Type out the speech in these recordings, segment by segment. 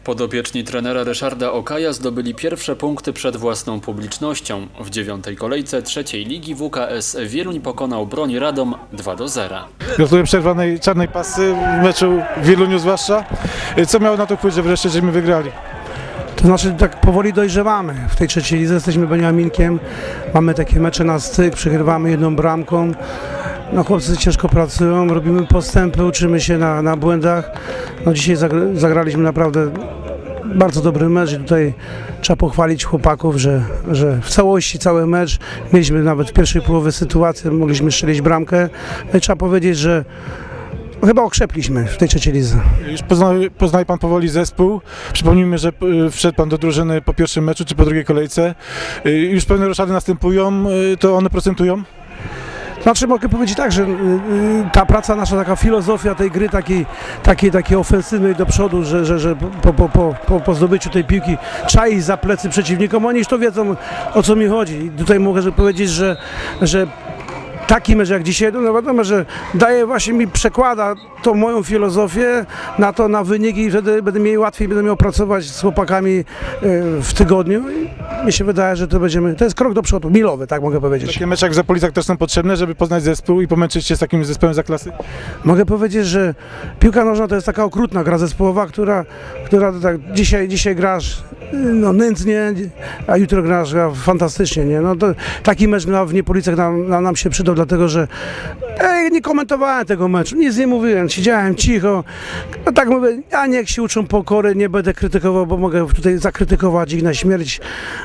Podopieczni trenera Ryszarda Okaja zdobyli pierwsze punkty przed własną publicznością. W 9. kolejce trzeciej ligi WKS Wieluń pokonał Broń Radom 2-0. Gratuluję przerwanej czarnej pasy w meczu w Wieluniu zwłaszcza. Co miało na to wpływ, że wreszcie żeśmy wygrali? To znaczy tak powoli dojrzewamy. W tej trzeciej lidze jesteśmy Beniaminkiem, mamy takie mecze na styk, przegrywamy jedną bramką. No, chłopcy ciężko pracują, robimy postępy, uczymy się na błędach. No, dzisiaj zagraliśmy naprawdę bardzo dobry mecz i tutaj trzeba pochwalić chłopaków, że w całości cały mecz, mieliśmy nawet w pierwszej połowie sytuację, mogliśmy strzelić bramkę. No i trzeba powiedzieć, że chyba okrzepliśmy w tej trzeciej lidze. Już poznaje Pan powoli zespół. Przypomnijmy, że wszedł Pan do drużyny po pierwszym meczu czy po drugiej kolejce. Już pewne roszady następują, to one procentują? Znaczy mogę powiedzieć tak, że ta praca nasza, taka filozofia tej gry, takiej ofensywnej do przodu, że po zdobyciu tej piłki trzeba iść za plecy przeciwnikom, oni już to wiedzą, o co mi chodzi. I tutaj mogę powiedzieć, że taki mecz jak dzisiaj, no wiadomo, że daje właśnie mi, przekłada tą moją filozofię na wyniki i wtedy będę miał łatwiej, będę miał pracować z chłopakami w tygodniu i mi się wydaje, że to jest krok do przodu, milowy, tak mogę powiedzieć. Takie mecze jak w Zapolicach też są potrzebne, żeby poznać zespół i pomęczyć się z takim zespołem za klasy? Mogę powiedzieć, że piłka nożna to jest taka okrutna gra zespołowa, która tak dzisiaj grasz no, nędznie, a jutro grasz fantastycznie, nie? No, to, taki mecz w Niepolicach nam się przydał, dlatego że nie komentowałem tego meczu, nic nie mówiłem, siedziałem cicho, no tak mówię, a niech się uczą pokory, nie będę krytykował, bo mogę tutaj zakrytykować ich na śmierć,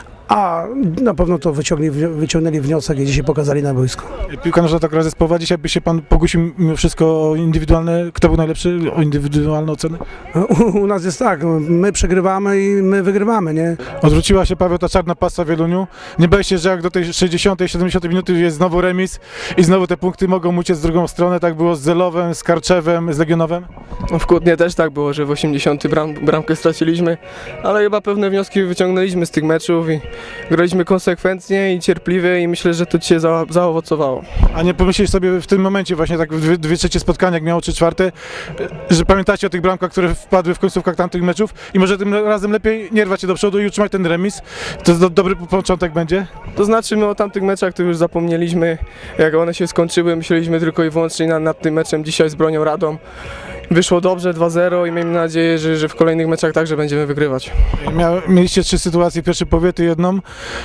a na pewno to wyciągnęli wniosek i dzisiaj pokazali na boisku. Piłka nożna tak gra zespołowa, dzisiaj by się Pan pokusił mimo wszystko o indywidualne, kto był najlepszy, o indywidualne oceny? U nas jest tak, my przegrywamy i my wygrywamy, nie? Odwróciła się, Paweł, ta czarna pasa w Wieluniu. Nie bałeś się, że jak do tej 60, 70 minuty jest znowu remis i znowu te punkty mogą uciec w drugą stronę, tak było z Zelowem, z Karczewem, z Legionowem? No w Kutnie też tak było, że w 80 bramkę straciliśmy, ale chyba pewne wnioski wyciągnęliśmy z tych meczów i graliśmy konsekwentnie i cierpliwie i myślę, że to dzisiaj zaowocowało. A nie pomyśleć sobie w tym momencie właśnie tak dwie trzecie spotkania, jak miało 3/4, że pamiętacie o tych bramkach, które wpadły w końcówkach tamtych meczów i może tym razem lepiej nie rwać się do przodu i utrzymać ten remis? To dobry początek będzie? To znaczy my o tamtych meczach to już zapomnieliśmy, jak one się skończyły, myśleliśmy tylko i wyłącznie nad tym meczem dzisiaj z Bronią Radom. Wyszło dobrze 2-0 i miejmy nadzieję, że w kolejnych meczach także będziemy wygrywać. Mieliście 3 sytuacje, w pierwszej połowie, ty jedną.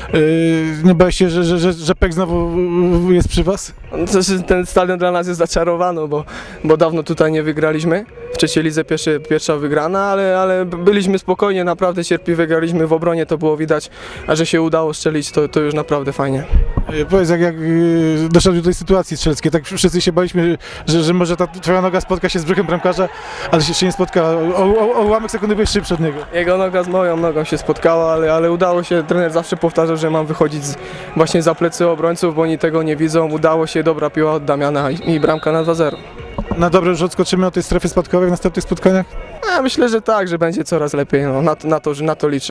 Nie bałeś się, że Pek znowu jest przy Was? Ten stadion dla nas jest zaczarowany, bo dawno tutaj nie wygraliśmy. W trzeciej lidze pierwsza wygrana, ale byliśmy spokojnie, naprawdę cierpliwie graliśmy w obronie, to było widać, a że się udało strzelić, to już naprawdę fajnie. Powiedz, jak doszedł do tej sytuacji strzeleckiej, tak wszyscy się baliśmy, że może ta twoja noga spotka się z brzuchem bramkarza, ale się jeszcze nie spotka. O ułamek sekundy byłeś szybszy od niego. Jego noga z moją nogą się spotkała, ale udało się, trener zawsze powtarzał, że mam wychodzić właśnie za plecy obrońców, bo oni tego nie widzą. Udało się, dobra piła od Damiana i bramka na 2-0. Na dobre już odskoczymy od tej strefy spadkowej w następnych spotkaniach? Ja myślę, że tak, że będzie coraz lepiej, no, na to liczę.